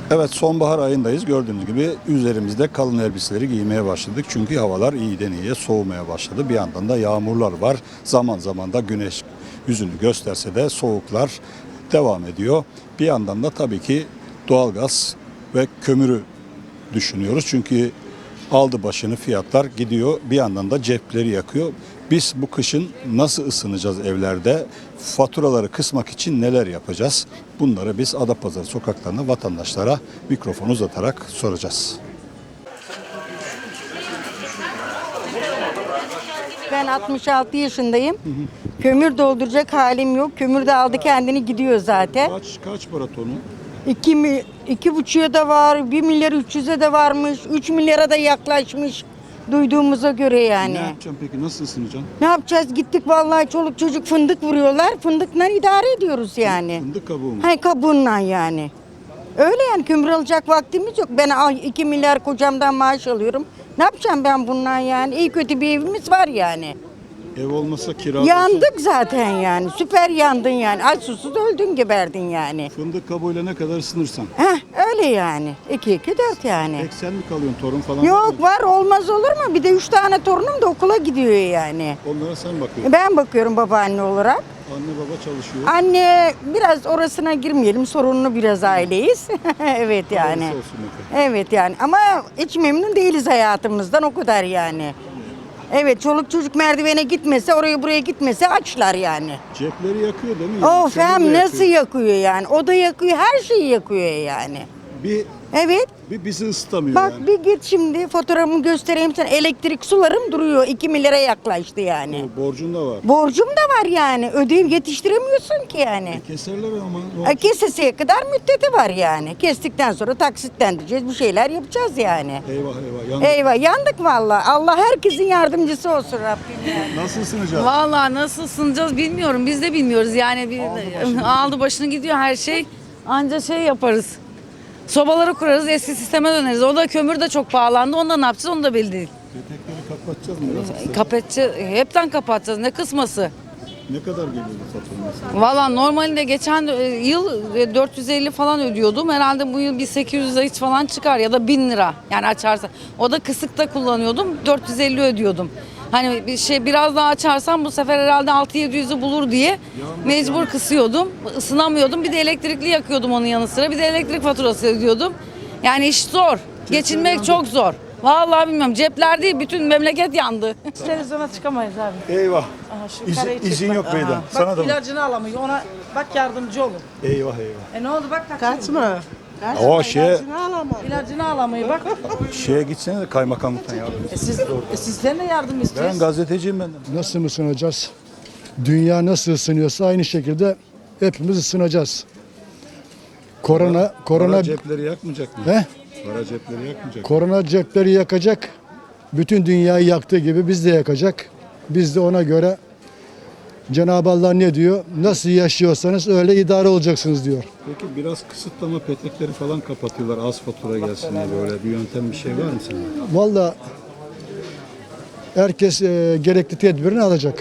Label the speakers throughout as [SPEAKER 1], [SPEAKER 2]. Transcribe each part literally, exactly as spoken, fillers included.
[SPEAKER 1] Evet, sonbahar ayındayız. Gördüğünüz gibi üzerimizde kalın elbiseleri giymeye başladık. Çünkü havalar iyiden iyiye soğumaya başladı. Bir yandan da yağmurlar var. Zaman zaman da güneş yüzünü gösterse de soğuklar devam ediyor. Bir yandan da tabii ki doğalgaz ve kömürü düşünüyoruz. Çünkü aldı başını fiyatlar gidiyor. Bir yandan da cepleri yakıyor. Biz bu kışın nasıl ısınacağız evlerde? Faturaları kısmak için neler yapacağız? Bunları biz Adapazarı sokaklarında vatandaşlara mikrofon uzatarak soracağız.
[SPEAKER 2] Ben altmış altı yaşındayım. Hı hı. Kömür dolduracak halim yok. Kömür de aldı kendini gidiyor zaten.
[SPEAKER 1] Kaç kaç para tonu?
[SPEAKER 2] İki, mi, iki buçuğa da var, bir milyar üç yüze de varmış, üç milyara da yaklaşmış duyduğumuza göre yani.
[SPEAKER 1] Ne yapacaksın peki? Nasıl ısınacaksın?
[SPEAKER 2] Ne yapacağız? Gittik vallahi çoluk çocuk fındık vuruyorlar. Fındıkla idare ediyoruz yani.
[SPEAKER 1] Fındık kabuğu mu?
[SPEAKER 2] Hay kabuğundan yani. Öyle yani kömür alacak vaktimiz yok. Ben iki milyar kocamdan maaş alıyorum. Ne yapacağım ben bundan yani? İyi kötü bir evimiz var yani.
[SPEAKER 1] Ev olmasa kira.
[SPEAKER 2] Yandık zaten yani. Süper yandın yani. Aç susuz öldün geberdin yani.
[SPEAKER 1] Fındık kabuğuyla ne kadar ısınırsan.
[SPEAKER 2] Heh öyle yani. İki iki dört yani.
[SPEAKER 1] Tek sen mi kalıyorsun? Torun falan var
[SPEAKER 2] Yok
[SPEAKER 1] mı?
[SPEAKER 2] var olmaz olur mu? Bir de üç tane torunum da okula gidiyor yani.
[SPEAKER 1] Onlara sen bakıyorsun.
[SPEAKER 2] Ben bakıyorum babaanne olarak.
[SPEAKER 1] Anne baba çalışıyor.
[SPEAKER 2] Anne biraz orasına girmeyelim. Sorunlu biraz aileyiz. Evet yani.
[SPEAKER 1] Hayırlısı olsun efendim.
[SPEAKER 2] Evet yani ama hiç memnun değiliz hayatımızdan o kadar yani. Evet çoluk çocuk merdivene gitmese oraya buraya gitmese açlar yani.
[SPEAKER 1] Cepleri yakıyor değil mi?
[SPEAKER 2] Of
[SPEAKER 1] Seni de
[SPEAKER 2] hem nasıl
[SPEAKER 1] yakıyor.
[SPEAKER 2] yakıyor yani. O da yakıyor her şeyi yakıyor yani.
[SPEAKER 1] Bir,
[SPEAKER 2] Evet.
[SPEAKER 1] bir bizi ısıtamıyor
[SPEAKER 2] Bak
[SPEAKER 1] yani.
[SPEAKER 2] bir git şimdi fotoğrafımı göstereyim sana. Elektrik sularım duruyor. iki milyara yaklaştı yani.
[SPEAKER 1] O borcun da var.
[SPEAKER 2] Borcum da var yani. Ödeyip yetiştiremiyorsun ki yani.
[SPEAKER 1] Keserler ama.
[SPEAKER 2] E, Kesesiye kadar müddeti var yani. Kestikten sonra taksitlendireceğiz. Bir şeyler yapacağız yani.
[SPEAKER 1] Eyvah eyvah. Yandık.
[SPEAKER 2] Eyvah yandık vallahi. Allah herkesin yardımcısı olsun Rabbim yani.
[SPEAKER 1] Nasıl ısınacağız?
[SPEAKER 3] Vallahi nasıl ısınacağız bilmiyorum. Biz de bilmiyoruz yani. Bir,
[SPEAKER 1] Aldı
[SPEAKER 3] aldı,
[SPEAKER 1] başını.
[SPEAKER 3] aldı başını gidiyor her şey. Anca şey yaparız. Sobaları kurarız, eski sisteme döneriz. O da kömür de çok pahalandı. Onda ne yapacağız onu da belli değil.
[SPEAKER 1] Petekleri kapatacağız mı? Biraz kısa?
[SPEAKER 3] Kapatacağız, hepten kapatacağız. Ne kısması?
[SPEAKER 1] Ne kadar geliyor bu fatura mesela?
[SPEAKER 3] Valla normalde geçen e, yıl e, dört yüz elli falan ödüyordum. Herhalde bu yıl bir sekiz yüz hiç falan çıkar ya da bin lira. Yani açarsa. O da kısıkta kullanıyordum. dört yüz elli ödüyordum. Hani bir şey biraz daha açarsam bu sefer herhalde altı yedi yüzü bulur diye mecbur kısıyordum. Isınamıyordum. Bir de elektrikli yakıyordum onun yanı sıra. Bir de elektrik faturası ödüyordum. Yani iş zor. Geçinmek çok zor. Vallahi bilmiyorum. Cepler değil bütün memleket yandı.
[SPEAKER 4] Televizyona çıkamayız abi.
[SPEAKER 1] Eyvah.
[SPEAKER 4] Aha, şu
[SPEAKER 1] İzin,
[SPEAKER 4] kareyi çek
[SPEAKER 1] izin
[SPEAKER 4] bak.
[SPEAKER 1] yok beyden.
[SPEAKER 4] Bak
[SPEAKER 1] Sana da mı?
[SPEAKER 4] ilacını alamıyor. Ona bak yardımcı olun.
[SPEAKER 1] Eyvah eyvah.
[SPEAKER 4] E ne oldu bak
[SPEAKER 5] Kaç mı?
[SPEAKER 1] O şeye,
[SPEAKER 4] İlacını alamıyor bak.
[SPEAKER 1] şeye gitsene de kaymakamlıktan ya.
[SPEAKER 4] E siz, e sizden de yardım
[SPEAKER 1] Ben
[SPEAKER 4] istiyoruz.
[SPEAKER 1] gazeteciyim ben de.
[SPEAKER 6] Nasıl ısınacağız? Dünya nasıl ısınıyorsa aynı şekilde hepimiz ısınacağız. Korona, korona,
[SPEAKER 1] Para cepleri yakmayacak mı?
[SPEAKER 6] he?
[SPEAKER 1] Para cepleri yakmayacak mı?
[SPEAKER 6] Korona cepleri yakacak. Bütün dünyayı yaktığı gibi biz de yakacak. Biz de ona göre Cenab-ı Allah ne diyor? Nasıl yaşıyorsanız öyle idare olacaksınız diyor.
[SPEAKER 1] Peki biraz kısıtlama petekleri falan kapatıyorlar az fatura gelsin diye böyle bir yöntem bir şey var mı senin?
[SPEAKER 6] Vallahi herkes e, gerekli tedbirini alacak.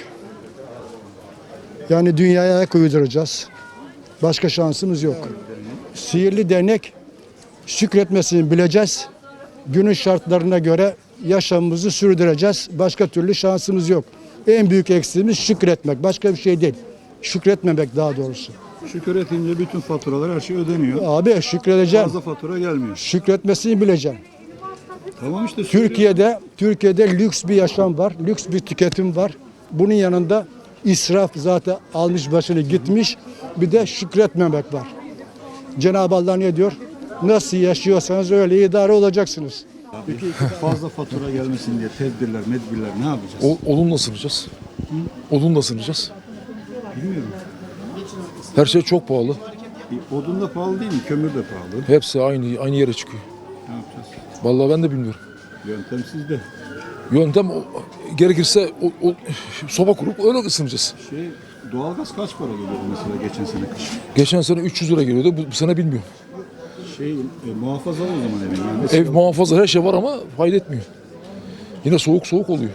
[SPEAKER 6] Yani dünyaya ayak uyduracağız. Başka şansımız yok. Sihirli değnek şükretmesini bileceğiz. Günün şartlarına göre yaşamımızı sürdüreceğiz. Başka türlü şansımız yok. En büyük eksiğimiz şükretmek. Başka bir şey değil. Şükretmemek daha doğrusu.
[SPEAKER 1] Şükür etince bütün faturalar her şey ödeniyor.
[SPEAKER 6] Abi şükredeceğim.
[SPEAKER 1] Fazla fatura gelmiyor.
[SPEAKER 6] Şükretmesini bileceğim.
[SPEAKER 1] Tamam işte. söylüyorum.
[SPEAKER 6] Türkiye'de Türkiye'de lüks bir yaşam var. Lüks bir tüketim var. Bunun yanında israf zaten almış başını gitmiş. Bir de şükretmemek var. Cenab-ı Allah ne diyor? Nasıl yaşıyorsanız öyle idare olacaksınız.
[SPEAKER 1] Peki fazla fatura gelmesin diye tedbirler, medbirler ne yapacağız?
[SPEAKER 7] O, odunla ısınacağız. Odunla ısınacağız.
[SPEAKER 1] Bilmiyorum.
[SPEAKER 7] Her şey çok pahalı.
[SPEAKER 1] E, Odun da pahalı değil mi? Kömür de pahalı.
[SPEAKER 7] Hepsi aynı aynı yere çıkıyor.
[SPEAKER 1] Ne yapacağız?
[SPEAKER 7] Vallahi ben de bilmiyorum.
[SPEAKER 1] Yöntem sizde.
[SPEAKER 7] Yöntem o- gerekirse o, o, soba kurup öyle ısınacağız.
[SPEAKER 1] Şey, doğalgaz kaç para geliyordu mesela geçen sene kış?
[SPEAKER 7] Geçen sene üç yüz lira geliyordu. Bu, bu sene bilmiyorum.
[SPEAKER 1] Şey, e, muhafaza o zaman evin. Yani mesela
[SPEAKER 7] Ev muhafaza her şey var ama fayda etmiyor. Yine soğuk soğuk oluyor.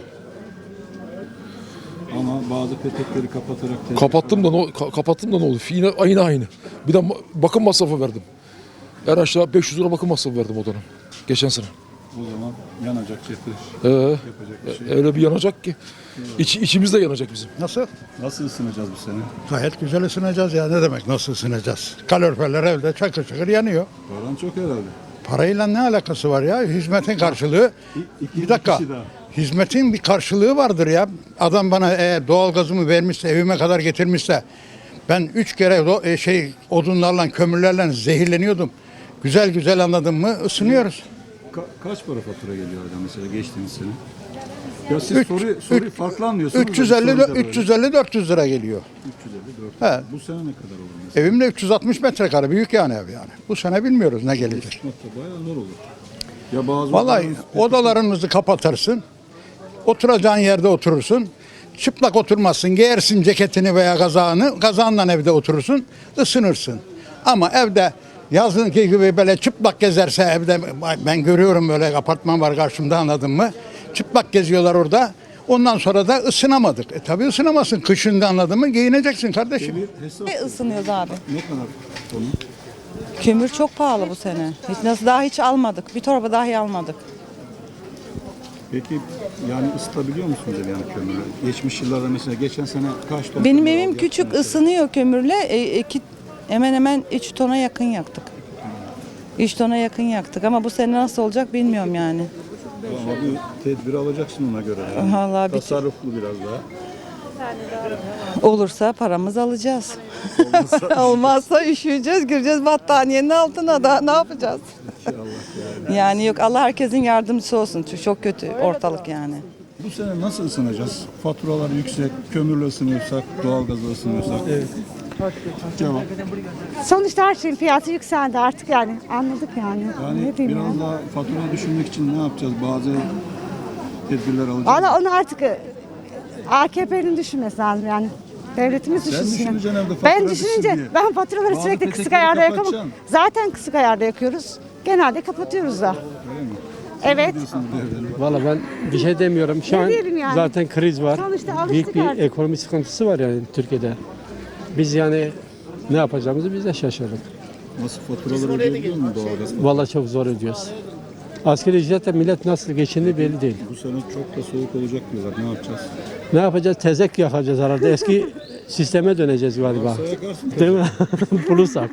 [SPEAKER 1] Ama bazı petekleri kapatarak... tedbir
[SPEAKER 7] Kapattım da ne, ka- kapattım da ne oldu? Yine aynı aynı. Bir de ma- bakım masrafı verdim. En aşağı beş yüz lira bakım masrafı verdim o dönem. Geçen sene.
[SPEAKER 1] O zaman yanacak cepte.
[SPEAKER 7] Ee,
[SPEAKER 1] Yapacak bir şey.
[SPEAKER 7] öyle bir yanacak ki. İç, içimiz de yanacak bizim.
[SPEAKER 5] Nasıl?
[SPEAKER 1] Nasıl ısınacağız bu sene?
[SPEAKER 5] Gayet güzel ısınacağız ya. Ne demek nasıl ısınacağız? Kaloriferler evde çakır çakır yanıyor.
[SPEAKER 1] Paran çok herhalde.
[SPEAKER 5] Parayla ne alakası var ya? Hizmetin karşılığı.
[SPEAKER 1] İki-
[SPEAKER 5] Bir dakika.
[SPEAKER 1] kişi daha.
[SPEAKER 5] Hizmetin bir karşılığı vardır ya. Adam bana eğer doğalgazımı vermişse, evime kadar getirmişse, ben üç kere do- e, şey odunlarla, kömürlerle zehirleniyordum. Güzel güzel anladın mı? Isınıyoruz.
[SPEAKER 1] Ka- kaç para fatura geliyor oradan mesela geçtiğiniz sene? Ya siz
[SPEAKER 5] Üç-
[SPEAKER 1] soruyu, soruyu
[SPEAKER 5] üç-
[SPEAKER 1] farklı anlıyorsunuz. da
[SPEAKER 5] üç yüz
[SPEAKER 1] biz
[SPEAKER 5] elli
[SPEAKER 1] sorunca böyle.
[SPEAKER 5] üç yüz elli dört yüz lira geliyor.
[SPEAKER 1] üç yüz elli dört.
[SPEAKER 5] He.
[SPEAKER 1] Bu sene ne kadar olur mesela?
[SPEAKER 5] Evimde üç yüz altmış metrekare büyük yani ev yani. Bu sene bilmiyoruz ne gelecek.
[SPEAKER 1] Çıkmak da bayağı zor olur. Ya bazı
[SPEAKER 5] Vallahi
[SPEAKER 1] odaların-
[SPEAKER 5] odalarımızı kapatırsın. Oturacağın yerde oturursun. Çıplak oturmazsın. Giyersin ceketini veya kazağını. Kazağınla evde oturursun. Isınırsın. Ama evde yazınki gibi böyle çıplak gezerse evde, ben görüyorum böyle apartman var karşımda, anladın mı? Çıplak geziyorlar orada. Ondan sonra da ısınamadık. E tabii ısınamazsın. Kışında, anladın mı? Giyineceksin kardeşim.
[SPEAKER 1] Bir hesap
[SPEAKER 8] Ne ısınıyoruz abi?
[SPEAKER 1] ne kadar onun?
[SPEAKER 8] Kömür çok pahalı bu sene. Hiç nasıl daha hiç almadık. Bir torba dahi almadık.
[SPEAKER 1] Peki yani ısıtabiliyor musunuz ev yani kömürü? Geçmiş yıllarda mesela geçen sene kaç ton?
[SPEAKER 8] Benim
[SPEAKER 1] kömür
[SPEAKER 8] evim
[SPEAKER 1] aldı
[SPEAKER 8] küçük,
[SPEAKER 1] mesela?
[SPEAKER 8] ısınıyor kömürle. E, iki, hemen hemen üç tona yakın yaktık. üç tona yakın yaktık ama bu sene nasıl olacak bilmiyorum yani.
[SPEAKER 1] Ama bir tedbir alacaksın ona göre. Yani.
[SPEAKER 8] Vallahi bir-
[SPEAKER 1] Tasarruflu biraz daha.
[SPEAKER 8] Olursa paramızı alacağız. Olmazsa üşüyeceğiz, gireceğiz battaniyenin altına da ne yapacağız? Yani yok, Allah herkesin yardımcısı olsun. Çünkü çok kötü ortalık yani.
[SPEAKER 1] Bu sene nasıl ısınacağız? Faturalar yüksek, kömürle ısınıyorsak, doğalgazla ısınıyorsak. Evet. Cevap.
[SPEAKER 9] Sonuçta her şeyin fiyatı yükseldi artık yani anladık yani.
[SPEAKER 1] Yani
[SPEAKER 9] ne diyeyim
[SPEAKER 1] biraz
[SPEAKER 9] ya.
[SPEAKER 1] daha faturayı düşürmek için ne yapacağız? Bazı tedbirler alacağız.
[SPEAKER 9] Valla onu artık e, A K P'nin düşünmesi lazım yani. Devletimiz
[SPEAKER 1] Sen
[SPEAKER 9] düşünsün. yani.
[SPEAKER 1] düşüneceksin evde, fatura
[SPEAKER 9] Ben
[SPEAKER 1] düşsün
[SPEAKER 9] düşününce
[SPEAKER 1] diye.
[SPEAKER 9] ben faturaları
[SPEAKER 1] Bazı
[SPEAKER 9] sürekli kısık
[SPEAKER 1] petekleri
[SPEAKER 9] ayarda yakamam.
[SPEAKER 1] kapatacaksın.
[SPEAKER 9] Zaten kısık ayarda yakıyoruz. Genelde kapatıyoruz da. Evet.
[SPEAKER 10] Valla ben bir şey demiyorum. Şu
[SPEAKER 9] Ne
[SPEAKER 10] an
[SPEAKER 9] diyelim yani?
[SPEAKER 10] zaten kriz var.
[SPEAKER 9] Sonuçta alıştık
[SPEAKER 10] Büyük bir
[SPEAKER 9] artık.
[SPEAKER 10] ekonomi sıkıntısı var yani Türkiye'de. Biz yani ne yapacağımızı biz de şaşırdık.
[SPEAKER 1] Nasıl faturaları ödeyebiliyor mu doğalgaz?
[SPEAKER 10] Valla çok zor ödüyoruz. Asgari ücretle millet nasıl geçinir belli değil.
[SPEAKER 1] Bu sene çok da soğuk olacak diyorlar. Ne yapacağız?
[SPEAKER 10] Ne yapacağız? Tezek yakacağız herhalde. Eski sisteme döneceğiz galiba.
[SPEAKER 1] Varsa yakarsın.
[SPEAKER 10] Değil mi? Bulursak.